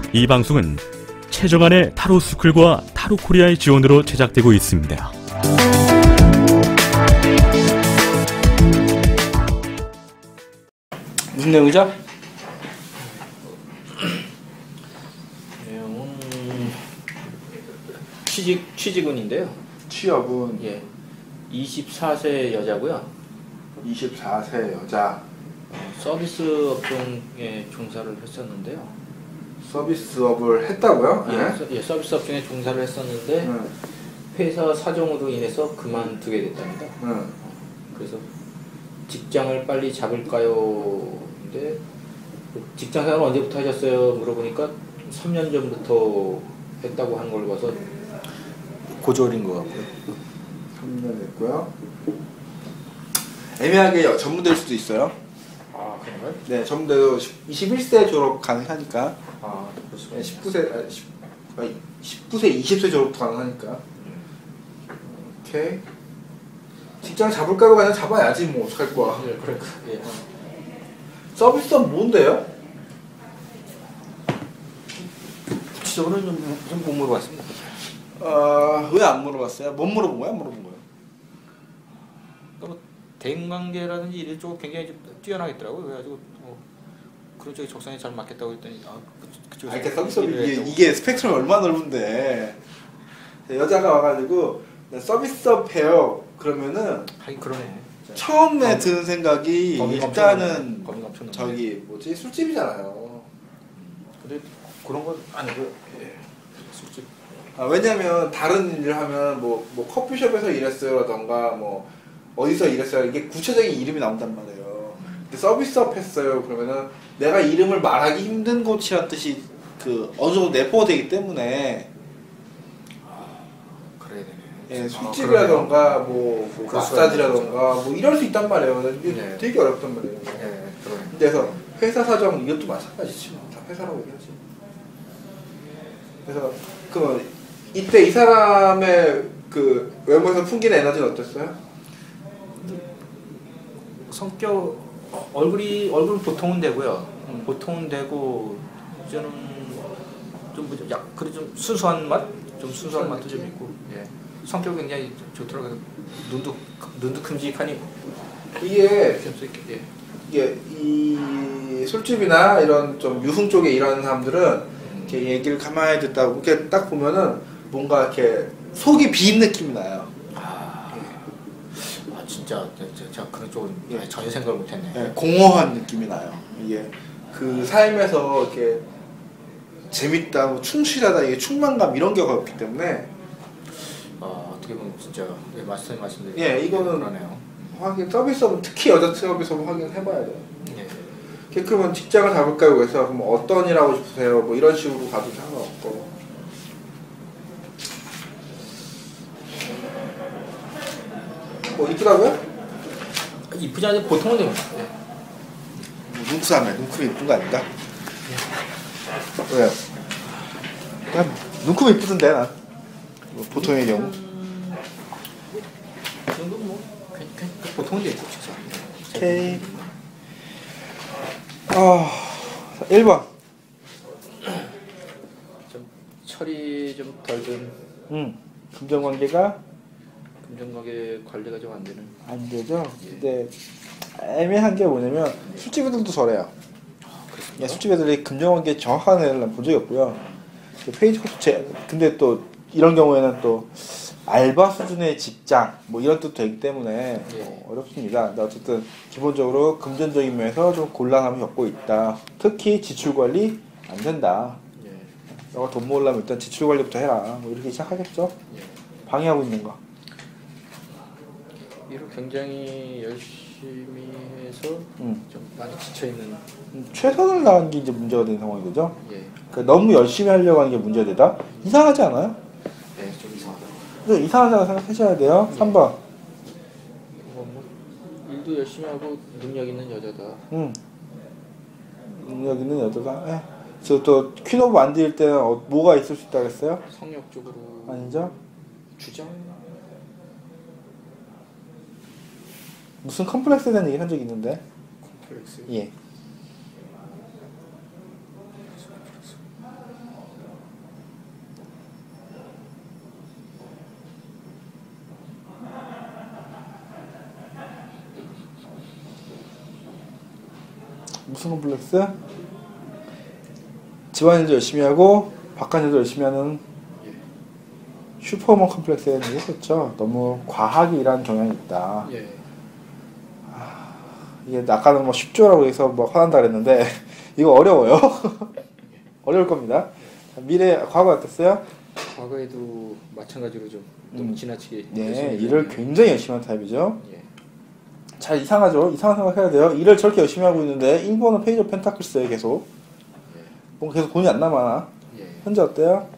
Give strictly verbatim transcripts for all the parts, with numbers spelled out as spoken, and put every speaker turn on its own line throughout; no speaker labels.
이 방송은 최정안의 타로스쿨과 타로코리아의 지원으로 제작되고 있습니다.
무슨 내용이죠?
내용은 취직 취직운인데요.
취업은
예, 이십사 세 여자고요.
이십사 세 여자.
어, 서비스 업종에 종사를 했었는데요.
서비스업을 했다고요?
예,
네.
서, 예, 서비스 업종에 종사를 했었는데
네.
회사 사정으로 인해서 그만두게 됐답니다.
네.
그래서 직장을 빨리 잡을까요? 근데 직장 생활 언제부터 하셨어요? 물어보니까 삼 년 전부터 했다고 하는 걸 봐서 고졸인 것 같고요.
삼 년 됐고요. 애매하게 전무될 수도 있어요.
아, 그런가요?
네, 전무돼도 이십일 세 졸업 가능하니까.
아, 그렇습니다.
네, 십구 세, 아니, 십, 아니, 십구 세, 이십 세 졸업도 가능하니까. 오케이. 직장 잡을까요? 그냥 잡아야지, 뭐, 어떡할 거야.
예, 그래, 예.
서비스업 뭔데요?
구체적으로는 좀, 좀 못 물어봤습니다.
어, 왜 안 물어봤어요? 못 물어본 거야? 물어본 거예요?
뭐 대인관계라든지 이런 쪽 굉장히 좀 뛰어나겠더라고요. 그래가지고 뭐 그런 쪽에 적성에 잘 맞겠다고 했더니 아, 그, 그쪽에서
아, 이렇게 서비스업이
일을
이게,
했다고.
이게 스펙트럼이 얼마나 넓은데 여자가 와가지고 서비스업 해요 그러면은
하긴 그러네.
처음에
범-
드는 생각이
범위가
일단은
범위가 엄청나네.
저기 뭐지 술집이잖아요.
근데 그런 건 아니고요. 예. 술집.
아, 왜냐면 다른 일을 하면 뭐, 뭐 커피숍에서 일했어요라던가 뭐 어디서 일했어요 이게 구체적인 이름이 나온단 말이에요. 근데 서비스업 했어요 그러면은 내가 이름을 말하기 힘든 곳이란 뜻이 그 어느 정도 내포가 되기 때문에
그래야 되네.
예, 술집이라던가 뭐, 뭐 마사지라던가 뭐 이럴 수 있단 말이에요. 이게
네.
되게 어렵단 말이에요.
예, 그러네.
그래서 회사 사정 이것도 마찬가지지 뭐. 다 회사라고 얘기하지. 그래서 그 이때 이 사람의 그 외모에서 풍기는 에너지는 어땠어요?
성격 어, 얼굴이 얼굴 보통은 되고요.
음.
보통은 되고 저는 좀 약 그래 좀 순수한 맛, 좀 순수한 맛도 좀 있고. 예. 성격 굉장히 좋더라고요. 눈도 눈도 큼직하니
이게
수 있게. 예.
이게 이 술집이나 이런 좀 유흥 쪽에 일하는 사람들은 이렇게 얘기를 가만히 듣다 보고 이렇게 딱 보면은 뭔가 이렇게 속이 빈 느낌이 나요.
아, 아 진짜 제가, 제가 그런 쪽은
예.
전혀 생각을 못했네.
네, 공허한 느낌이 나요. 이게 그 삶에서 이렇게 재밌다, 뭐 충실하다, 이게 충만감 이런 게 없기 때문에
아, 어떻게 보면 진짜 예, 말씀 말씀드린
예, 이거는
그러네요.
확인 서비스업은 특히 여자 서비스업은 확인해봐야 돼요.
예.
그러면 직장을 잡을까요? 그래서 그럼 어떤 일 하고 싶으세요? 뭐 이런 식으로 가도 상관없고. 뭐 이쁘다고요?
이쁘지 않은데 보통은 좀 예.
뭐 눈크사면 눈크면 이쁜 거 아닌가? 왜요? 난 눈크면 이쁘던데 난. 뭐 보통의 경우.
그 정도 뭐 괜- 괜- 보통은 좀 이쁘죠.
오케이. 아, 일 번.
좀 철이 좀 덜 든
음. 금전관계가
금전가게 관리가 좀 안 되는.
안 되죠. 근데 애매한 게 뭐냐면 술집 애들도 저래요. 야, 술집 애들이 금전관계 정확한 애를 난 본 적이 없고요. 그 페이지 코스 제 근데 또 이런 경우에는 또 알바 수준의 직장 뭐 이런 뜻도 되기 때문에
예.
어, 어렵습니다. 근데 어쨌든 기본적으로 금전적인 면에서 좀 곤란함을 겪고 있다. 특히 지출 관리 안 된다.
예.
너가 돈 모으려면 일단 지출 관리부터 해라. 뭐 이렇게 시작하겠죠.
예.
방해하고 있는 거.
일을 굉장히 열심히 해서
음.
좀 많이 지쳐 있는.
음, 최선을 다하는 게 이제 문제가 되는 상황이 되죠.
예.
그러니까 너무 열심히 하려고 하는 게 문제가 되다. 이상하지 않아요?
예, 좀 이상하다.
좀 이상하다고 생각하셔야 돼요. 삼 번.
뭐, 뭐 일도 열심히 하고 능력 있는 여자다.
음. 능력 있는 여자가. 예. 저또 퀸 오브 만드일 때는 어, 뭐가 있을 수 있다고 했어요?
성욕 쪽으로.
아니죠?
주장.
무슨 컴플렉스에 대한 얘기 한 적이 있는데.
콤플렉스.
예. 무슨 컴플렉스? 집안일도 열심히 하고 바깥일도 열심히 하는
예.
슈퍼우먼 컴플렉스에 대한 얘기했었죠. 너무 과하게 일하는 경향이 있다.
예.
아, 이게 아까는 뭐 쉽죠라고 해서 뭐 화난다 그랬는데 이거 어려워요. 어려울 겁니다. 자, 미래 과거 어땠어요?
과거에도 마찬가지로 좀 너무
음.
지나치게
네,
열심히
일을
일하는-
굉장히 열심히 하는 타입이죠.
예.
잘 이상하죠. 이상한 생각해야 돼요. 일을 저렇게 열심히 하고 있는데 일 번은 페이지 오브 펜타클스에 계속 뭐 계속 돈이 안 남아.
예.
현재 어때요?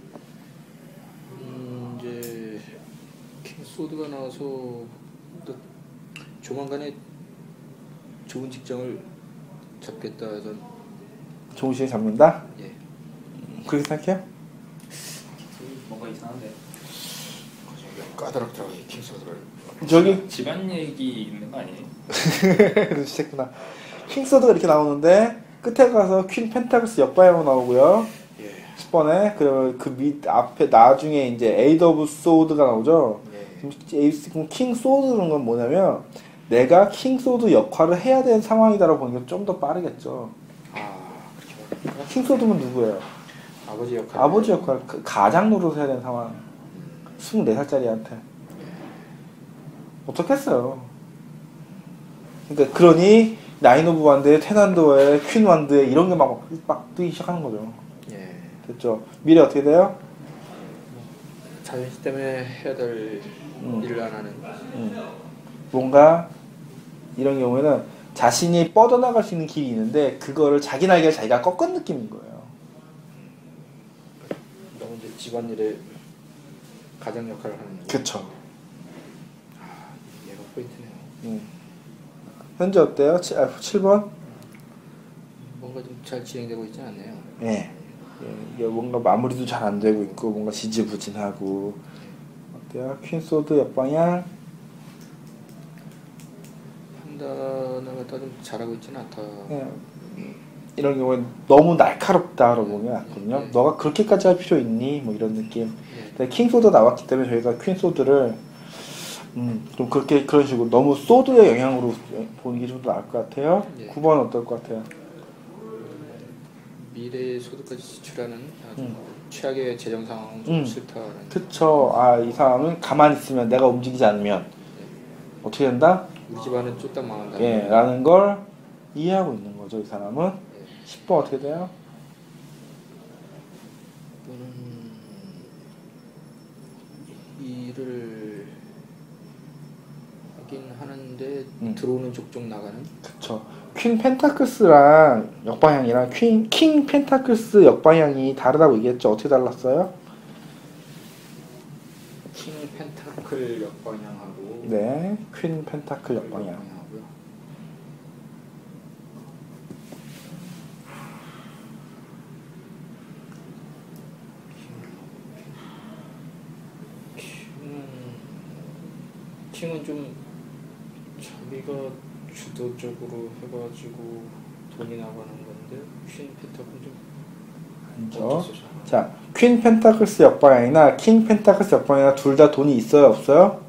음, 이제 킹소드가 나와서 또 조만간에 좋은 직장을 잡겠다 해서
좋은 시에 잡는다?
예.
그렇게 생각해요?
뭔가 이상한데.
까다롭더라고요 킹소드를.
저기
집안 얘기 있는 거 아니에요?
그래서 시작구나. 킹소드가 이렇게 나오는데 끝에 가서 퀸 펜타클스 역방향으로 나오고요.
예.
십 번에 그리고 그 밑 앞에 나중에 이제 에이드 오브 소드가 나오죠.
예.
그럼 킹 소드는 건 뭐냐면 내가 킹 소드 역할을 해야 되는 상황이다라고 보는 게 좀 더 빠르겠죠.
아 그렇게 말해요.
킹 소드면 누구예요?
아버지 역할.
아버지 역할, 그 가장 노릇을 해야 되는 상황. 스물네 살짜리한테 어떻겠어요. 그러니까 그러니 나인 오브 완드에 테난도에 퀸 완드에 이런 게 막 막 뜨기 시작하는 거죠.
예.
됐죠. 미래 어떻게 돼요?
자존심 때문에 해야 될
음.
일을 안 하는.
음. 뭔가 이런 경우에는 자신이 뻗어나갈 수 있는 길이 있는데 그거를 자기 날개를 자기가 꺾은 느낌인 거예요.
너무 이제 집안일에 가장 역할을 하는.
그쵸.
아, 얘가 포인트네요.
음. 현재 어때요? 칠, 아, 칠 번?
뭔가 좀 잘 진행되고 있지 않네요.
예. 예. 이게 뭔가 마무리도 잘 안 되고 있고 뭔가 지지부진하고 어때요? 퀸소드 옆방향
판단을 갖다 좀 잘하고 있지는 않다.
예. 이런 경우엔 너무 날카롭다라고 보면 않거든요.
네.
너가 그렇게까지 할 필요 있니? 뭐 이런 느낌.
예.
근데 킹소드 나왔기 때문에 저희가 퀸소드를 음, 좀 그렇게 그런 식으로 너무 소드의 영향으로 보는 게 좀 더 나을 것 같아요.
예.
구 번 어떨 것 같아요?
미래 소득까지 지출하는 아주
음.
최악의 재정 상황 좀
음.
싫다는.
그쵸. 아, 이 사람은 가만히 있으면 내가 움직이지 않으면 어떻게 된다?
우리 집안은 쫄딱 망한다.
예, 라는 걸 이해하고 있는 거죠, 이 사람은.
예.
십 번 어떻게 돼요?
이분은 일을 하긴 하는데
음.
들어오는 족족 나가는.
그쵸. 퀸 펜타클스랑 역방향이랑 퀸, 킹 펜타클스 역방향이 다르다고 얘기했죠. 어떻게 달랐어요?
킹 펜타클 역방향하고.
네, 퀸 펜타클 역방향.
역방향하고요. 킹은 킹은 좀 자기가 주도적으로 해가지고 돈이 나가는 건데 퀸 펜타클은 좀
그렇죠.
어쩔 수 없어.
자, 퀸 펜타클스 역방향이나 킹 펜타클스 역방향이나 둘 다 돈이 있어요, 없어요?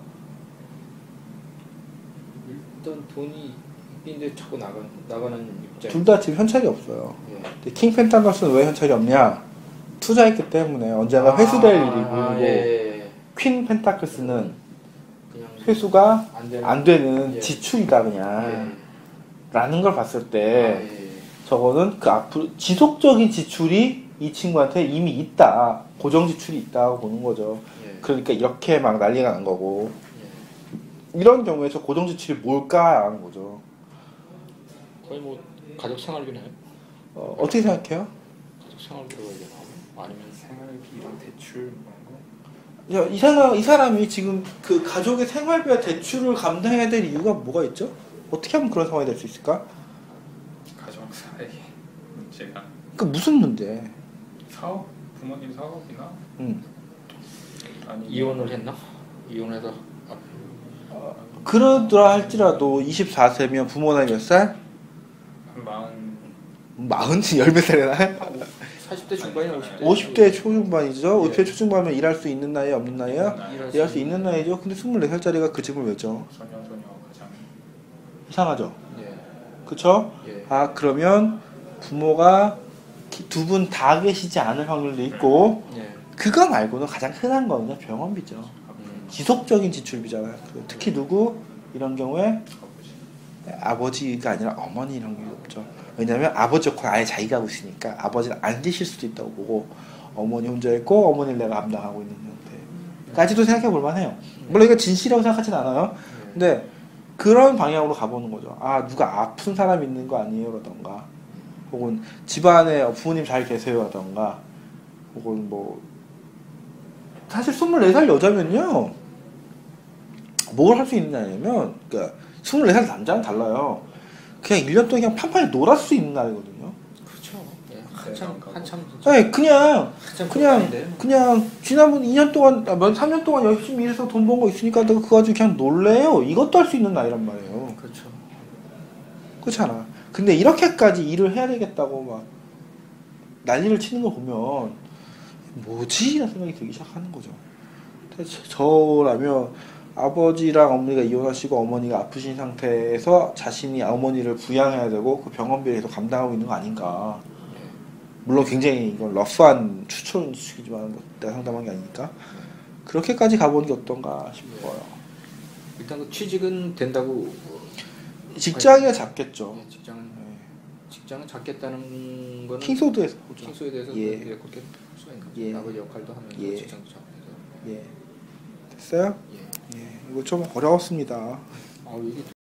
일단 돈이 있는데 자꾸 나가 나가는 입장.
둘 다 지금 현찰이 없어요.
예.
근데 킹 펜타클스는 왜 현찰이 없냐? 투자했기 때문에 언젠가 회수될
아,
일이고,
아, 예.
퀸 펜타클스는
그냥
회수가
안 되는,
안 되는
예.
지출이다 그냥
예.
라는 걸 봤을
아,
때
예.
저거는 그 앞으로 지속적인 지출이 이 친구한테 이미 있다, 고정 지출이 있다고 보는 거죠.
예.
그러니까 이렇게 막 난리가 난 거고,
예.
이런 경우에 저 고정 지출이 뭘까 하는 거죠.
거의 뭐 가족 생활비나요?
어, 어떻게 생각해요?
가족 생활비로 해야 되나? 아니면
생활비 이런 대출 뭐 이런 거.
야, 이 사람, 이 사람이 지금 그 가족의 생활비와 대출을 감당해야 될 이유가 뭐가 있죠? 어떻게 하면 그런 상황이 될 수 있을까?
가정 사이 문제가.
그 무슨 문제?
사업 부모님 사업이나
음.
아니
이혼을 했나? 이혼해서 아,
그러더라 할지라도 이십사 세면 부모 나이 몇 살?
한 마흔
마흔? 열 몇 살이나?
사십 대 중반이나 오십 대.
오십 대 초중반이죠?
예.
오십 대 초중반이면 일할 수 있는 나이 없는 나이야?
일할
일할 수 있는 나이죠? 근데 스물네 살짜리가 그 집을 왜죠?
소녀 소녀 가장
이상하죠?
예.
그쵸?
예.
아 그러면 부모가 두 분 다 계시지 않을 확률도 있고
예.
그거 말고는 가장 흔한 거는요 병원비죠.
음.
지속적인 지출비잖아요. 그 특히 누구 이런 경우에 아버지가 아니라 어머니 이런 게 없죠. 왜냐하면 아버지 역할 아예 자기가 하고 있으니까 아버지는 안 계실 수도 있다고 보고 어머니 혼자 있고 어머니를 내가 감당하고 있는 형태까지도 생각해 볼 만해요. 물론 이거 진실이라고 생각하진 않아요. 근데 그런 방향으로 가보는 거죠. 아 누가 아픈 사람 있는 거 아니에요? 라던가 혹은 집안에 부모님 잘 계세요? 라던가 혹은 뭐 사실 스물네 살 여자면요 뭘 할 수 있느냐면 그러니까 스물네 살 남자는 달라요. 그냥 일 년 동안 그냥 판판히 놀았을 수 있는 나이거든요.
그렇죠. 예. 한참
네,
한참 진짜
네, 그냥
한참
그냥
끝나는데.
그냥 지난번 이 년 동안 아, 몇 삼 년 동안 열심히 일해서 돈 번 거 있으니까 내가 그거 가지고 그냥 놀래요. 이것도 할 수 있는 나이란 말이에요.
그렇죠.
그렇잖아. 근데 이렇게까지 일을 해야 되겠다고 막 난리를 치는 거 보면 뭐지? 라는 생각이 들기 시작하는 거죠. 저라면 아버지랑 어머니가 이혼하시고 어머니가 아프신 상태에서 자신이 어머니를 부양해야 되고 그 병원비를 계속 감당하고 있는 거 아닌가. 물론 굉장히 이건 러프한 추천식이지만 내가 상담한 게 아니니까 그렇게까지 가보는 게 어떤가 싶어요.
일단 그 취직은 된다고.
직장이야 잡겠죠.
예, 직장은
네.
직장은 잡겠다는 거는
킹소드에서 보죠.
킹소에 대해서
예.
예. 그렇게 볼 수가 있는 거죠.
예.
아버지 역할도 하면서
예.
직장도 잡면서.
예. 됐어요?
예.
예. 이거 좀 어려웠습니다.
아 이게